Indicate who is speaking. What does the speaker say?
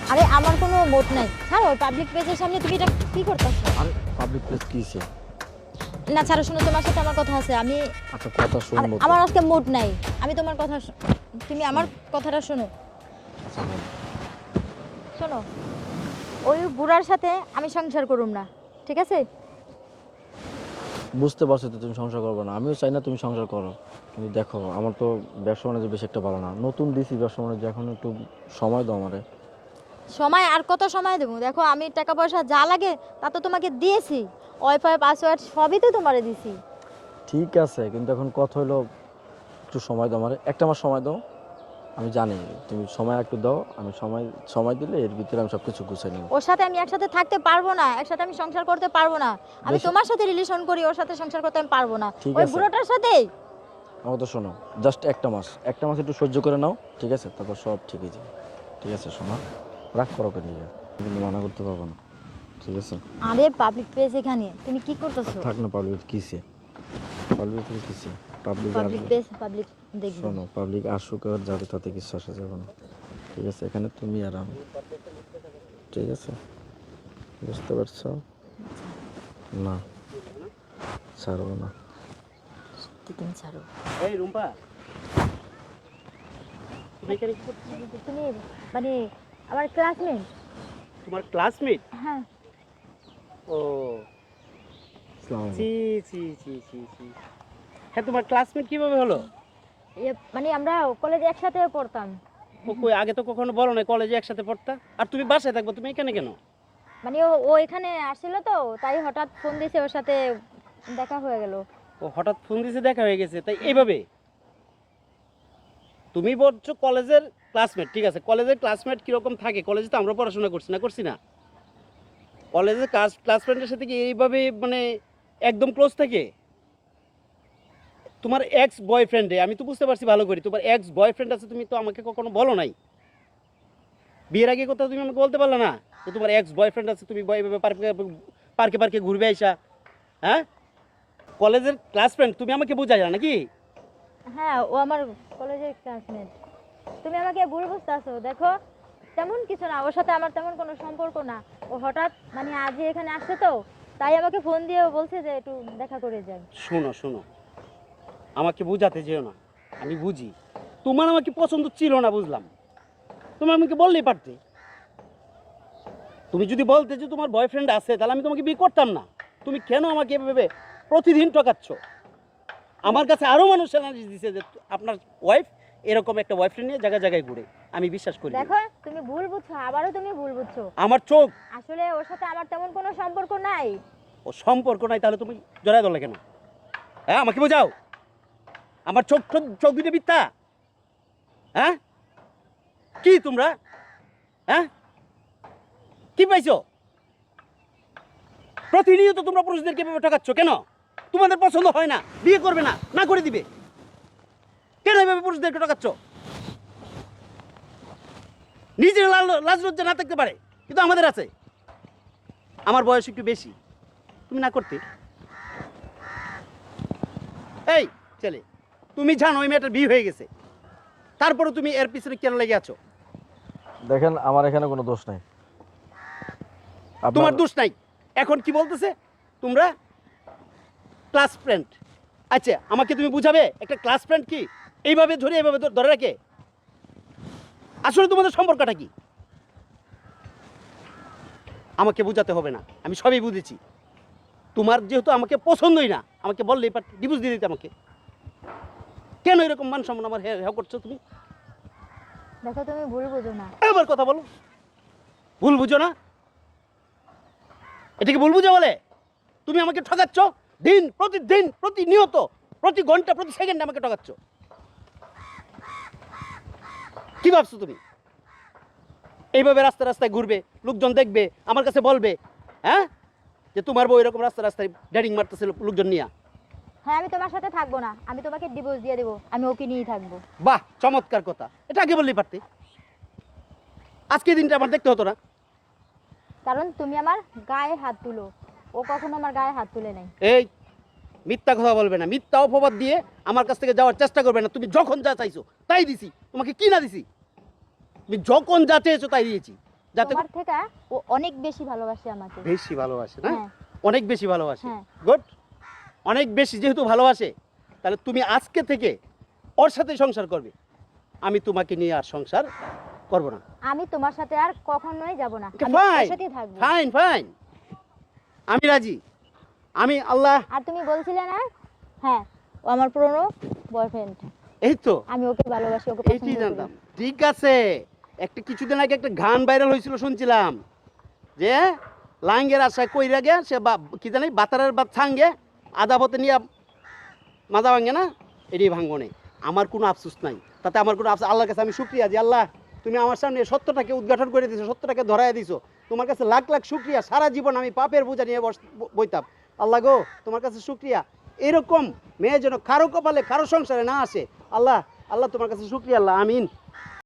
Speaker 1: আরে আমার কোনো মোট নাই। ছাড়ো, পাবলিক প্লেসের সামনে তুমি এটা কি করতেছো?
Speaker 2: আরে পাবলিক প্লেস কিছে?
Speaker 1: না ছাড়ো, শোনো, তোমার সাথে আমার কথা আছে। আমি
Speaker 2: আচ্ছা কথা শুনবো তো।
Speaker 1: আমার আজকে মোট নাই। আমি তোমার কথা তুমি আমার কথাটা শোনো।
Speaker 2: আচ্ছা, বল।
Speaker 1: শোনো, ওই বুড়ার সাথে আমি সংসার করুম না, ঠিক আছে?
Speaker 2: বুঝতে পারছো তো তুমি সংসার করবে না, আমিও চাই না তুমি সংসার করো, কিন্তু দেখো আমার তো ব্যবসা বাণিজ্য বেশি একটা ভালো না, নতুন দিছি ব্যবসা বাণিজ্য, এখন একটু সময় দাও আমারে।
Speaker 1: সময় আর কত সময় দেবো? দেখো, আমি টাকা পয়সা যা লাগে তা তো তোমাকে দিয়েছি। ওয়াইফাই পাসওয়ার্ড সবই তো তোমারে দিছি।
Speaker 2: ঠিক আছে, কিন্তু এখন কথা হলো একটু সময় দাও আমারে, একটা মাস সময় দাও। আমি জানি তুমি সময় একটু দাও, আমি সময় সময় দিলে এর ভিতরে আমি সব কিছু গুছিয়ে নিব।
Speaker 1: ওর সাথে আমি একসাথে থাকতে পারবো না, একসাথে আমি সংসার করতে পারবো না। আমি
Speaker 2: বেশি-
Speaker 1: তোমার সাথে রিলেশন করি, ওর সাথে সংসার করতে আমি পারবো না।
Speaker 2: ঠিক
Speaker 1: ওই
Speaker 2: আছে।
Speaker 1: বুড়োটার সাথে
Speaker 2: আমার তো শোনো, জাস্ট একটা মাস একটু সহ্য করে নাও, ঠিক আছে, তারপর সব ঠিক হয়ে যাবে। ঠিক আছে শোনো, রাগ করো কেন নিজে, কিন্তু মানা করতে পারবো না, ঠিক আছে?
Speaker 1: আরে পাবলিক প্লেস এখানে তুমি কি করতেছো?
Speaker 2: থাক না, পাবলিক কিসে, পাবলিক কিসে, পাবলিক
Speaker 1: পাবলিক প্লেস, পাবলিক দেখবে।
Speaker 2: শোনো, পাবলিক আসুক আর যাবে, তাতে কিছু আসা যাবে না, ঠিক আছে? এখানে তুমি আর আমি, ঠিক আছে? বুঝতে পারছো? না, ছাড়বো না।
Speaker 1: তুমি ছাড়ো।
Speaker 3: এই রুম্পা, তুমি এখানে কি করছো?
Speaker 1: তুমি মানে আমার ক্লাসমেট।
Speaker 3: তোমার ক্লাসমেট?
Speaker 1: হ্যাঁ।
Speaker 3: ও
Speaker 2: আসসালামু আলাইকুম।
Speaker 3: জি জি জি জি জি। হ্যাঁ, তোমার ক্লাসমেট কিভাবে হলো?
Speaker 1: মানে আমরা কলেজে একসাথে পড়তাম।
Speaker 3: ও কই, আগে তো কখনো বলো না কলেজে একসাথে পড়তা। আর তুমি বাসায় থাকবো, তুমি এখানে কেন?
Speaker 1: মানে ও এখানে আসছিল তো, তাই হঠাৎ ফোন দিয়েছে, ওর সাথে দেখা হয়ে গেল।
Speaker 3: ও হঠাৎ ফোন দিয়েছে, দেখা হয়ে গেছে, তাই এইভাবে? তুমি বলছো কলেজের ক্লাসমেট, ঠিক আছে, কলেজের ক্লাসমেট কিরকম থাকে? কলেজে তো আমরা পড়াশোনা করছি না? কলেজের ক্লাসমেটের সাথে কি এইভাবে মানে একদম ক্লোজ থাকে? তোমার এক্স বয়ফ্রেন্ডে আমি তো বুঝতে পারছি ভালো করে, তোমার এক্স বয়ফ্রেন্ড আছে, তুমি তো আমাকে কখনো বলো নাই। বিয়ের আগে কথা তুমি আমাকে বলতে পারলে না যে তোমার এক্স বয়ফ্রেন্ড আছে, তুমি এভাবে পার্কে পার্কে ঘুরবে আইসা? হ্যাঁ, কলেজের ক্লাস ফ্রেন্ড তুমি আমাকে বুঝাই না নাকি?
Speaker 1: হ্যাঁ, ও আমার কলেজের ক্লাসমেট। তুমি আমাকে ভুল বুঝতেছো। দেখো, তেমন কিছু না, ওর সাথে আমার তেমন কোনো সম্পর্ক না। ও হঠাৎ মানে আজই এখানে আসছে তো, তাই আমাকে ফোন দিয়ে বলছে যে একটু দেখা করে যাই।
Speaker 3: শোনো শোনো, আমাকে বুঝাতে যেও না, আমি বুঝি তোমার আমাকে পছন্দ ছিল না, বুঝলাম। তুমি আমাকে বললেই পারতে। তুমি যদি বলতে যে তোমার বয়ফ্রেন্ড আছে, তাহলে আমি তোমাকে বিয়ে করতাম না। তুমি কেন আমাকে এভাবে প্রতিদিন ঠকাচ্ছ? আমার কাছে আরো মানুষ অ্যানালিস দিছে যে আপনার ওয়াইফ এরকম একটা বয়ফ্রেন্ড নিয়ে জায়গায় জায়গায় ঘুরে। আমি বিশ্বাস করি না।
Speaker 1: দেখো, তুমি ভুল বুঝছো, আবারও তুমি ভুল বুঝছো।
Speaker 3: আমার চোখ।
Speaker 1: আসলে ওর সাথে আমার তেমন কোনো সম্পর্ক নাই।
Speaker 3: ও সম্পর্ক নাই, তাহলে তুমি জড়ায় ধরলে কেন? হ্যাঁ, আমাকে বোঝাও। আমার চোখ চোখ দুটো মিথ্যা? হ্যাঁ, কি তোমরা? হ্যাঁ, কি পাইছো? প্রতিনিয়ত তোমরা পুরুষদেরকে এভাবে ঠকাচ্ছ কেন? তোমাদের পছন্দ হয় না, বিয়ে করবে না, না করে দিবে, কেন এভাবে পুরুষদেরকে ঠকাচ্ছ? নিজের লাজ লজ্জা না থাকতে পারে, কিন্তু আমাদের আছে। আমার বয়স একটু বেশি, তুমি না করতে। এই ছেলে, তুমি জানো ওই মেয়েটার বিয়ে হয়ে গেছে, তারপরে তুমি এর পিছনে কেন লেগে আছো?
Speaker 2: দেখেন আমার এখানে কোনো দোষ নাই।
Speaker 3: তোমার দোষ নাই। এখন কি বলতেছে তোমরা ক্লাস ফ্রেন্ড? আচ্ছা, আমাকে তুমি বুঝাবে একটা ক্লাস ফ্রেন্ড কি এইভাবে ধরে এইভাবে ধরে রাখে? আসলে তোমাদের সম্পর্কটা কি আমাকে বুঝাতে হবে না, আমি সবই বুঝেছি। তোমার যেহেতু আমাকে পছন্দই না, আমাকে বললেই পারতে, ডিভোর্স দিয়ে দিতে আমাকে। কেন এরকম মান সম্মান আমার হ্যাঁ করছো তুমি?
Speaker 1: দেখো, তুমি ভুল বুঝো না।
Speaker 3: আবার কথা বলো, ভুল বুঝো না? এটাকে ভুল বুঝো বলে? তুমি আমাকে ঠকাচ্ছ দিন প্রতিদিন, প্রতিনিয়ত, প্রতি ঘন্টা, প্রতি সেকেন্ডে আমাকে ঠকাচ্ছ। কি ভাবছো তুমি? এইভাবে রাস্তায় রাস্তায় ঘুরবে, লোকজন দেখবে, আমার কাছে বলবে হ্যাঁ যে তোমার বউ এরকম রাস্তায় রাস্তায় ডেটিং মারতেছিল লোকজন নিয়ে?
Speaker 1: হ্যাঁ, আমি তোমার সাথে থাকবো না, আমি তোমাকে ডিভোর্স দিয়ে দেবো, আমি ওকে নিয়েই থাকবো।
Speaker 3: বাহ, চমৎকার কথা, এটা আগে বললেই পারতে। আজকে এই দিনটা আমার দেখতে হতো না।
Speaker 1: কারণ তুমি আমার গায়ে হাত তুলো, ও কখনো আমার গায়ে হাত তুলে নাই।
Speaker 3: এই মিথ্যা কথা বলবে না, মিথ্যা অপবাদ দিয়ে আমার কাছ থেকে যাওয়ার চেষ্টা করবে না। তুমি যখন যা চাইছো তাই দিছি, তোমাকে কি না দিছি? তুমি যখন যা চেয়েছো তাই দিয়েছি। যাতে
Speaker 1: তোমার থেকে ও অনেক বেশি ভালোবাসে আমাকে।
Speaker 3: বেশি ভালোবাসে না,
Speaker 1: হ্যাঁ
Speaker 3: অনেক বেশি ভালোবাসে,
Speaker 1: হ্যাঁ।
Speaker 3: গুড। অনেক বেশি যেহেতু ভালোবাসে, তাহলে তুমি আজকে থেকে ওর সাথে সংসার করবে। আমি তোমাকে নিয়ে আর সংসার করব না।
Speaker 1: আমি তোমার সাথে আর কখনোই যাব না, আমি
Speaker 3: ফাইন
Speaker 1: ওর সাথেই থাকবো।
Speaker 3: ফাইন ফাইন, আমি রাজি। আমি আল্লাহ,
Speaker 1: আর তুমি বলছিলে না, হ্যাঁ ও আমার পুরনো বয়ফ্রেন্ড,
Speaker 3: এই তো
Speaker 1: আমি ওকে ভালোবাসি, ওকে
Speaker 3: এইটি
Speaker 1: পছন্দ করি।
Speaker 3: জানতাম। ঠিক আছে, একটা কিছুদিন আগে একটা গান ভাইরাল হয়েছিল শুনছিলাম, যে লাঙ্গের আশায় কইরা গে সে কি জানি বাতারের বাদ ছাঙ্গে আদা পথে নিয়ে মাজা ভাঙে না, এটি ভাঙবো নেই। আমার কোনো আফসোস নাই, তাতে আমার কোনো আফসোস। আল্লাহর কাছে আমি শুক্রিয়া যে আল্লাহ তুমি আমার সামনে সত্যটাকে উদ্ঘাটন করে দিছো, সত্যটাকে ধরাই দিছো। তোমার কাছে লাখ লাখ শুক্রিয়া। সারা জীবন আমি পাপের বোঝা নিয়ে বইতাম। আল্লাহ গো, তোমার কাছে শুক্রিয়া। এরকম মেয়ে যেন কারো কপালে কারো সংসারে না আসে। আল্লাহ, আল্লাহ তোমার কাছে শুক্রিয়া। আল্লাহ, আমিন।